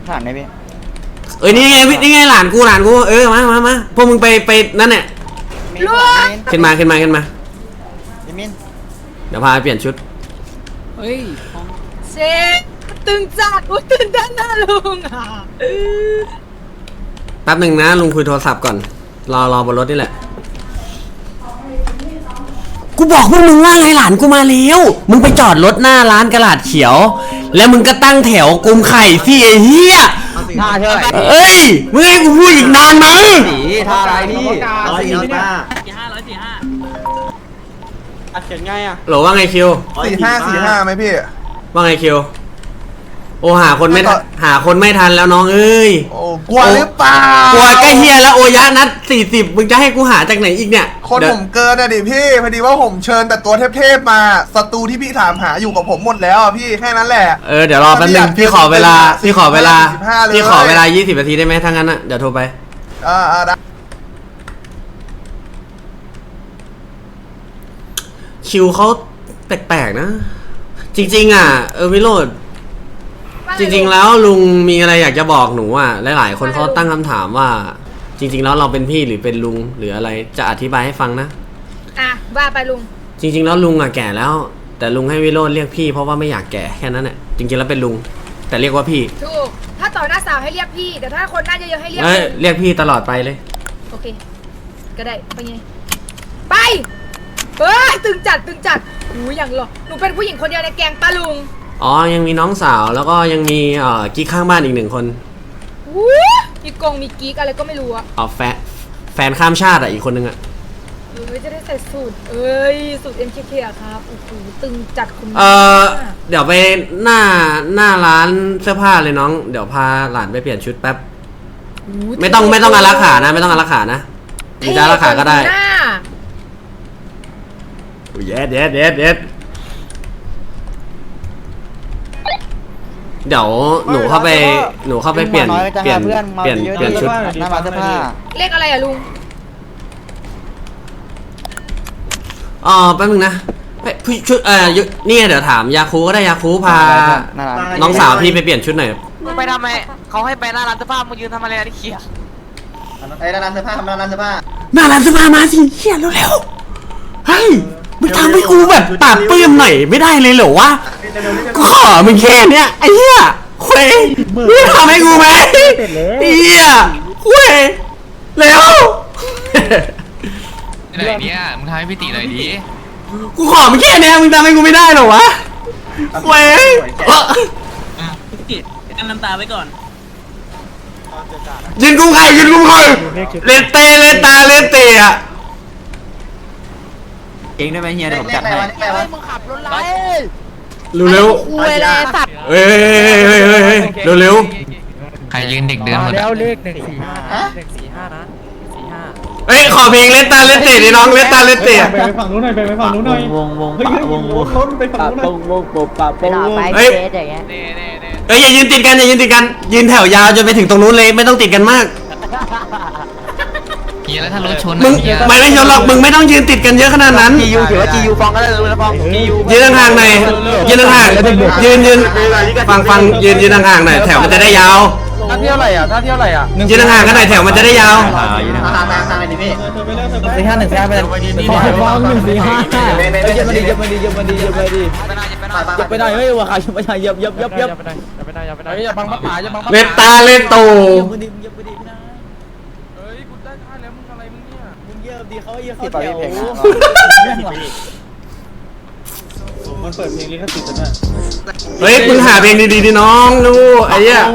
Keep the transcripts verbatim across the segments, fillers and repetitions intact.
ถามได้พี่เอ้ยนี่ไงนี่ไงหลานกูหลานกูเออมามามาพวกมึงไปไปนั่นแหละขึ้นมาขึ้นมาขึ้นมาเดี๋ยวพาไปเปลี่ยนชุดเฮ้ยเชฟตึงจัดอุ้ยตื่นเต้นนะลุงอ่ะแป๊บหนึ่งนะลุงคุยโทรศัพท์ก่อนรอรอบนรถนี่แหละกูบอกพวกมึงว่าไงหลานกูมาแล้วมึงไปจอดรถหน้าร้านกระดาษเขียวแล้วมึงก็ตั้งแถวกุมไข่สิไอ้เหี้ยท่าเท่าไหร่เอ้ยมึงให้กูพูดอีกนานไหมสีท่าอะไรนี่ร้อยสี่ห้าสี่ห้าร้อยสี่ห้าอัดเขียนไงอ่ะหรอว่าไงคิวสี่ห้าสี่ห้าไหมพี่ว่าไงคิวโอหาคนไม่หาคนไม่ทันแล้วน้องเอ้ยโอ้กลัวหรือเปล่ากลัวใกล้เฮียแล้วโอยะนัดสี่สิบมึงจะให้กูหาจากไหนอีกเนี่ยคนผมเกินอะดิพี่พอดีว่าผมเชิญแต่ตัวเทพๆมาศัตรูที่พี่ถามหาอยู่กับผมหมดแล้วอ่ะพี่แค่นั้นแหละเออเดี๋ยวรอแป๊บนึงพี่ขอเวลาพี่ขอเวลาพี่ขอเวลายี่สิบนาทีได้ไหมถ้างั้นอ่ะเดี๋ยวโทรไปอ่าอ่าได้คิวเขาแปลกๆนะจริงๆอ่ะเออวิโรจน์จริงๆแล้วลุงมีอะไรอยากจะบอกหนูอ่ะหลายๆคนเขาตั้งคำถามว่าจริงๆแล้วเราเป็นพี่หรือเป็นลุงหรืออะไรจะอธิบายให้ฟังนะอ่ะว่าไปลุงจริงๆแล้วลุงอ่ะแก่แล้วแต่ลุงให้วิโรจน์เรียกพี่เพราะว่าไม่อยากแก่แค่นั้นแหละจริงๆแล้วเป็นลุงแต่เรียกว่าพี่ถูกถ้าต่อหน้าสาวให้เรียกพี่แต่ถ้าคนหน้าเยอะๆให้เรียกเรียกพี่ตลอดไปเลยโอเคก็ได้ไปไงไปเฮ้ยตึงจัดตึงจัดหูอย่างหรอหนูเป็นผู้หญิงคนเดียวในแก๊งป้าลุงอ๋อยังมีน้องสาวแล้วก็ยังมีเอ่อกิ๊กข้างบ้านอีกหนึ่งคนวู้มีกงมีกิ๊กอะไรก็ไม่รู้อะอ๋อแฟนแฟนข้ามชาติอ่ะอีกคนนึงอ่ะเอ้ยจะได้ใส่สูตรเอ้ยสูตร เอ็ม เค เค อะครับโอ้โหตึงจัดคุณเออเดี๋ยวไปหน้าหน้าร้านเสื้อผ้าเลยน้องเดี๋ยวพาหลานไปเปลี่ยนชุดแป๊บไม่ต้องไม่ต้องอารักขานะไม่ต้องอารักขานะมีจะอารักขาก็ได้โอ้ยเด็ดเด็ดเด็ดเด็ดเดี๋ยวหนูเข้าไปหนูเข้าไปเปลี่ยนเปลี่ยนเปลี่ยนเปลี่ยนชุดหน้าร้านเสื้อผ้าเลขอะไรอะลุงอ๋อแป๊บนึงนะพี่ชุดเอ่อนี่เดี๋ยวถามยาคูก็ได้ยาคูพาน้องสาวพี่ไปเปลี่ยนชุดหน่อยมึงไปทำไมเขาให้ไปหน้าร้านเสื้อผ้ามึงยืนทำอะไรนี่เขี้ยไอ้หน้าร้านเสื้อผ้าทำหน้าร้านเสื้อผ้าหน้าร้านเสื้อผ้ามาสิเขี้ยเร็วๆเฮ้ยมึงทำให้กูแบบปากเปื้อนหน่อยไม่ได้เลยเหรอวะกูขอมึงแค่เนี้ยไอ้เหี้ยเว้ยมึงทำให้กูไหมเหี้ยเว้ยเร็วไหนเนี่ยมึงทำให้พี่ตีหน่อยดิกูขอมึงแค่เนี้ยมึงทำให้กูไม่ได้หรอวะเว้ยพี่ตั้งน้ำตาไว้ก่อนยืนกุ้งไข่ยืนกุ้งไข่เลเตเลตาเลเตอะเองได้ไหมเฮียเดี๋ยวผมจัดให้มึงขับรถไล่เร็วๆเวลาสัตว์เฮ้ยเฮ้ยเฮ้ยเฮ้ยเร็วเร็วใครยืนเด็กเดินหมดแล้วเลขหนึ่งสี่ห้าหนึ่งสี่ห้านะสี่ห้าเฮ้ยขอเพลงเลตาเลเตดิน้องเลตาเลเตไปฝั่งนู้นหน่อยไปฝั่งนู้นหน่อยวงวงปะวงวงรถไปฝั่งนู้นหน่อยวงวงปะปะวงเฮ้ยเฮ้ยอย่ายืนติดกันอย่ายืนติดกันยืนแถวยาวจนไปถึงตรงนู้นเลยไม่ต้องติดกันมากเฮียแล้วถ้ารถชนมึงไม่ได้ชนหรอกมึงไม่ต้องยืนติดกันเยอะขนาดนั้นจียูถือว่าจียูฟองก็ได้เลยนะฟองยืนห่างๆหน่อยยืนห่างๆยืนยืนฟังฟังยืนยืนห่างๆหน่อยแถวมันจะได้ยาวท่าเที่ยวอะไรอ่ะท่าเที่ยวอะไรอ่ะยืนห่างๆกันหน่อยแถวมันจะได้ยาวสี่ห้าหนึ่งสี่ห้าไปเลยฟองหนึ่งสี่ห้าเยอะมาดีเยอะมาดีเยอะมาดีเยอะมาดียับไปได้เฮ้ยว่าขายับไปได้ยับยับยับยับยับไปได้ยับไปได้ยับไปได้อย่าบังพับขาอย่าบังเลตาเลโตดีเขาเยอะเขาแถวมันเปิดเพลงลิขสิทธิ์นะเฮ้ยมึงหาเพลงดีๆดิน้องดูไอ้เหี้ย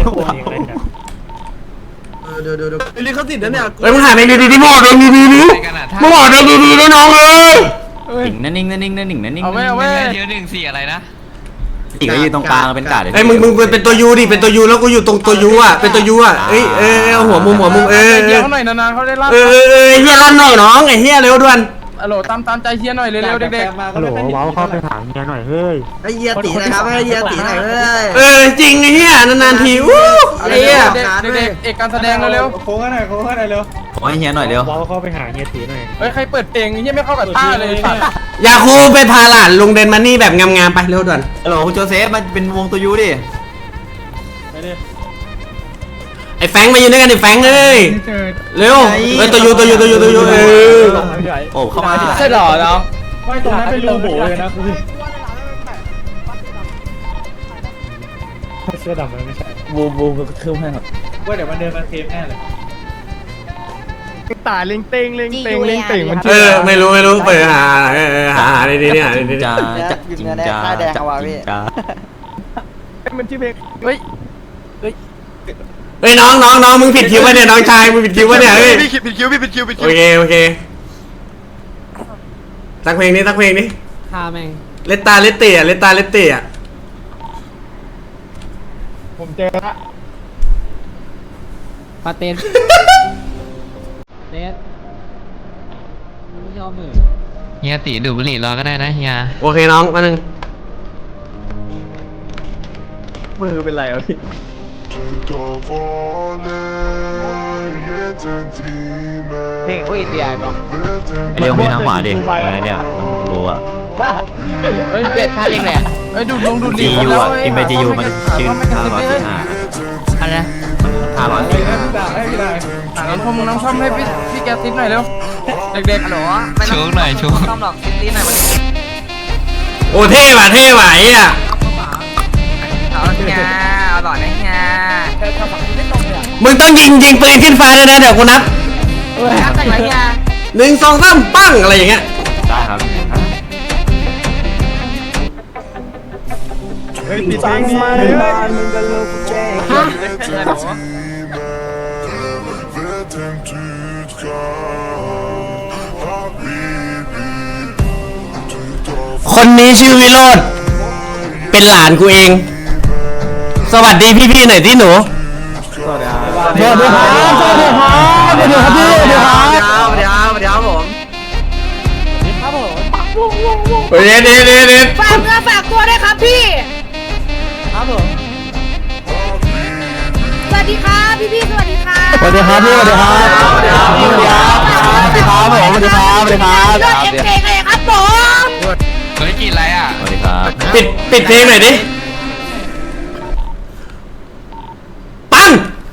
เดี๋ยวเดี๋ยวเดี๋ยวลิขสิทธิ์นะเนี่ยเฮ้ยมึงหาเพลงดีๆดิมึงหาเพลงดีๆดิมึงหาเพลงดีๆดิน้องเอ้ยนิ่งนั่นนิ่งนั่นนิ่งนั่นนิ่งนั่นนิ่งเอาไว้เอาไว้เดี๋ยวหนึ่งสี่อะไรนะอีกก็ยืนตรงกลางเป็นกาดไอ้มึงมึงเป็นตัวยูดิเป็นตัวยูแล้วกูอยู่ตรงตัวยูอ่ะเป็นตัวยูอ่ะเอ้ยเอ้ยหัวมุมหัวมุมเอ้ยเฮียเขาหน่อยนานๆเขาได้รับเอ้ยเอ้ยเฮียลั่นหน่อยน้องไอ้เฮียเร็วด่วนฮัลโหลตามตามใจเฮียหน่อยเร็วๆเด็กๆฮัลโหลว้าวเข้าไปถามเฮียหน่อยเฮ้ยไอ้เฮียตีนะครับไอ้เฮียตีหน่อยเฮ้ยเออจริงไอ้เฮียนานๆทีอู้ไอ้เฮียเด็กๆเอกการแสดงเร็วโค้งหน่อยโค้งหน่อยเร็วขอให้เฮียหน่อยเร็วว้าวเข้าไปหาเฮียตีหน่อยเฮ้ยใครเปิดเพลงเฮียไม่เข้ากับท่าเลยอยากคูไปพาหลานลุงเดนมันนี่แบบงามๆไปเร็วด่วนฮัลโหลคุณโจเซฟมันเป็นวงตัวยูดิไปดิอ้แฟงมายืนด้วยกันดิแฟงเอ้ยเร็วเฮ้ยตัวยูตัวยูตัวยูตัวยูเออโอ้เข้ามาใช่หรอน้องไม่ตรงนั้นเป็นรูโบเลยนะคุณเสื้อดำมันไม่ใช่บูบูบูคือให้ครับว่าเดี๋ยวมันเดินมาเทปแน่เลยตาเล็งเต็งเล็งเต็งเล็งเต็งมันเออไม่รู้ไม่รู้เปิดหาเออหาหาดีๆเนี่ยหาดีๆจ้าจักจริงจ้าจักจริงจ้ามันชื่อเพลงเฮ้ยเฮ้ยน้องน้องน้องมึงผิดคิววะเนี่ยน้องชายมึงผิดคิววะเนี่ยเฮ้ยพี่ผิดคิวพี่ผิดคิวผิดคิโอวเคโอเคสักเพลงนี้สักเพลงนี้ฆ่าแม่งเลตตาเลตเตะเลตตาเลตเตะผมเจอละปาเต้นเต้นไม่ยอมมือเฮียตีดูดบุหรี่รอก็ได้นะเฮียโอเคน้องมาหนึ่งมือเป็นไรอ่ะพี่เพลงอุ้ยเตียก่อนเรียกพี่น้ำหวานดิอะไรเนี่ยรู้อะเฮ้ยเป็ดท่าเรียกแหละเฮ้ยดูดูดูจียูอะอินไปจียูมันชื่อห้าร้อยสี่ห้าอะไรนะห้าร้อยสี่ห้าน้องชมน้องชมให้พี่พี่แกติ๊บหน่อยเร็วเด็กๆฮัลโหลโชว์หน่อยโชว์ต้องหรอกติ๊บหน่อยมันโอ้เท่ว่ะเท่ว่ะไอ้อะเอาเฮียเอาหล่อนะเฮียมึงต้องยิงยิงปืนขึ้นฟ้าด้วยนะเดี๋ยวกูนับครับแต่งไรเฮียหนึ่งสองสามปั้งอะไรอย่างเงี้ยได้ครับเฮ้ยปิดเพลงมาเลยฮะคนนี้ชื่อวิโรธเป็นหลานกูเอง สวัสดีพี่ๆหน่อยที่หนูสวัสดีครับสวัสดีครับสวัสดีครับสวัสดีครับพี่สวัสดีครับสวัสดีครับสวัสดีครับผมเฮ้ยเด็ดเด็ดเด็ดฝากเนื้อฝากตัวด้วยครับพี่ครับผมสวัสดีครับพี่พี่ๆสวัสดีครับสวัสดีครับพี่สวัสดีครับสวัสดีครับสวัสดีครับสวัสดีครับผมสวัสดีครับสวัสดีครับยอดเอ็มเพลงเลยครับผมเฮ้ยกินอะไรอ่ะสวัสดีครับปิดปิดเพลงหน่อยดิปัง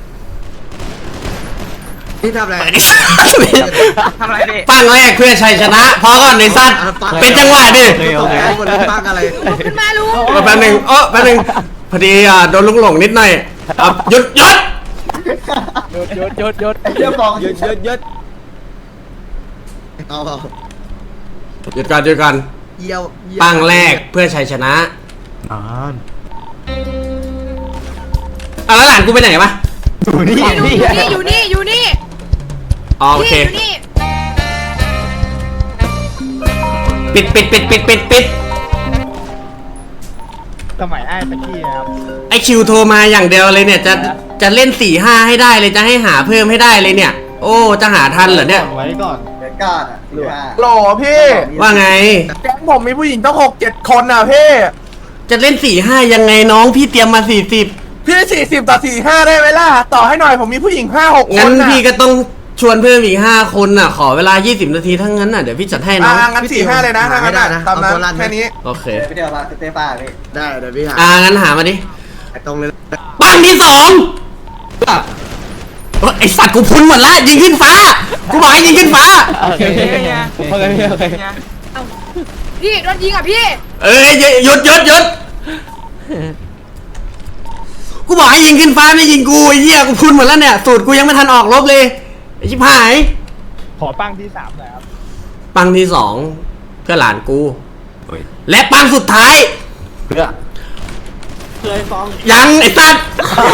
พี่ทำอะไรทำอะไรพี่ปังแรกเพื่อชัยชนะพอก่อนในสัตว์เป็นจังหวะดิโอเคโอเคคนปังอะไรลุกขึ้นมาลุงเออแป๊บหนึงเออแป๊บหนึงพอดีอ่ะโดนลุกหลงนิดหน่อยอ่ะหยุดหยุดยศยศยศยศยศยศยศเอาเอาหยุดก่อนหยุดก่อนเยี่ยวปังแรกเพื่อชัยชนะอ่านอ่ะแล้วหลานกูไปไหนวะนี่นี่อยู่นี่อยู่นี่อ๋อโออยู่เคนี่อยู่นี่ปิดปิดปิดปิดปิดปิดสมัยไอ้ตะกี้ครับไอคิวโทรมาอย่างเดียวเลยเนี่ยจะจะเล่นสี่ห้าให้ได้เลยจะให้หาเพิ่มให้ได้เลยเนี่ย โอ้จะหาทันเหรอเนี่ยไว้ก่อนเดี๋ยวก้าอ่ะหรือว่าหล่อพี่ว่าไงแก๊งผมมีผู้หญิงตั้งหกเจ็ดคนอ่ะพี่จะเล่นสี่ห้ายังไงน้องพี่เตรียมมาสี่สิบพี่สี่สิบต่อสี่ห้าได้ไหมล่ะ ต่อให้หน่อยผมมีผู้หญิงห้าหกคงั้นนน่ะพี่ก็ต้องชวนเพิ่มอีกห้าคนน่ะ ขอเวลายี่สิบนาทีทั้งนั้นน่ะเดี๋ยวพี่จัดให้น้อ่าองงั้นสี่ห้าเลยนะถ้างั้นน่ะตามนั้นแค่นี้โอเคไปเดี๋ยวมาเตป้าพี่ได้เดี๋ยวพี่หาอ่างั้นหามาดิตรงเลยปังที่สองเอ้ยไอสัตว์กูพุนหมดละยิงขึ้นฟ้ากูบอกให้ยิงขึ้นฟ้าโอเคโอเคโอเคโอเคพี่โดนยิงอ่ะพี่เอ้ยหยุดหยุดหยุดกูบอกให้ยิงขึ้นฟ้าไม่ยิงกูไอ้เหี้ยกูพุนหมดแล้วเนี่ยสูตรกูยังไม่ทันออกรบเลยไอ้ชิบหายขอปังที่สามหน่อยครับปังที่สองเพื่อหลานกูโอ้ยและปังสุดท้ายเพื่อเคยฟ้องยังไอ้สัตว์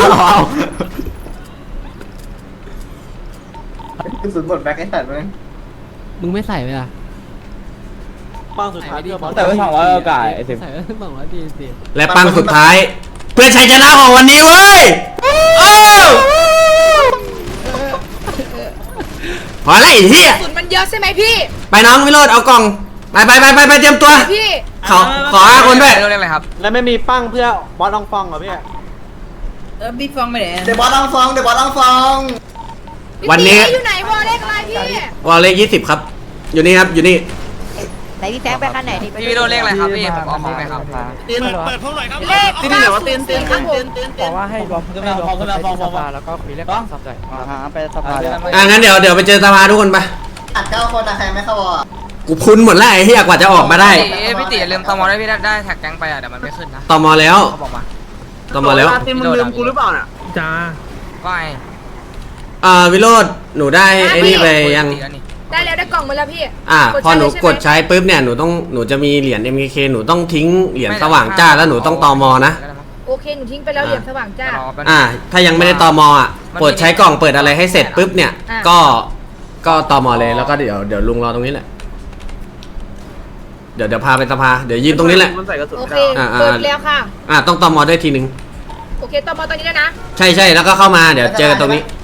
กระสุนหมดแบ็คไอ้สัตว์มั้งมึงไม่ใส่เลยอ่ะปังสุดท้ายที่แต่ไม่สองร้อยโอกาสไอ้สิบใส่บอกว่าดีสิและปังสุดท้าย เพื่อชัยชนะของวันนี้เว้ยโอ้พอแล้วไอ้เหี้ยกระสุนมันเยอะใช่ไหมพี่ไปน้องวิโรจน์เอากล่องไปไปไปไปไปเตรียมตัวพี่ขอขอห้าคนด้วยเรื่องอะไรครับแล้วไม่มีปังเพื่อบอสลองฟองเหรอพี่เออบิ๊กฟองไปไหนเดี๋ยวบอสลองฟองเดี๋ยวบอสลองฟองวันนี้พี่อยู่ไหนวอลเลขอะไรพี่วอลเลขยี่สิบครับ อยู่นี่ครับอยู่นี่ไหนพี่แซงไปขั้นไหนนี่ไปพี่วิโรจน์เลขอะไรครับพี่ผมเอาของไหมครับเปิดเปิดพวกหน่อยครับเลขเก้าศูนย์สี่ครับผมบอกว่าให้รวมให้รวมคนไปที่สภาแล้วก็คุยเรื่องการสับใจอ่าไปสภาเลยอ่ะงั้นเดี๋ยวเดี๋ยวไปเจอสภาทุกคนไปอัดเก้าคนอะใครไม่เข้าวอกูพุนหมดแล้วไอ้เหี้ยกว่าจะออกมาได้พี่ตีลืมตอมอได้พี่ได้แท็กแก๊งไปอ่ะเดี๋ยวมันไม่ขึ้นนะตอมอแล้วเขาบอกมาตอมอแล้วติมึงลืมกูหรือเปล่าน่ะจ้าว่าไงอ่าวิโรจน์หนูได้ไอ้นี่ไปยังได้แล้วได้กล่องมาแล้วพี่อ่าพอหนูกดใช้ใช้ปุ๊บเนี่ยหนูต้องหนูจะมีเหรียญ เอ็ม เค เค หนูต้องทิ้งเหรียญสว่างจ้าแล้วหนูต้องตอมอนะโอเคหนูทิ้งไปแล้วเหรียญสว่างจ้าอ่าถ้ายังไม่ได้ตอมอ่ะเปิดใช้กล่องเปิดอะไรให้เสร็จปุ๊บเนี่ยอ่ะก็ก็ตอมอเลยแล้วก็เดี๋ยวเดี๋ยวลุงรอตรงนี้แหละเดี๋ยวเดี๋ยวพาไปสภาเดี๋ยวยืนตรงนี้แหละโอเคเปิดแล้วค่ะอ่าต้องตอมอด้วยทีนึงโอเคต่อมาตอนนี้แล้วนะใช่ใช่แล้วก็เข้ามาเดี๋ยวเจอกันตรงนี้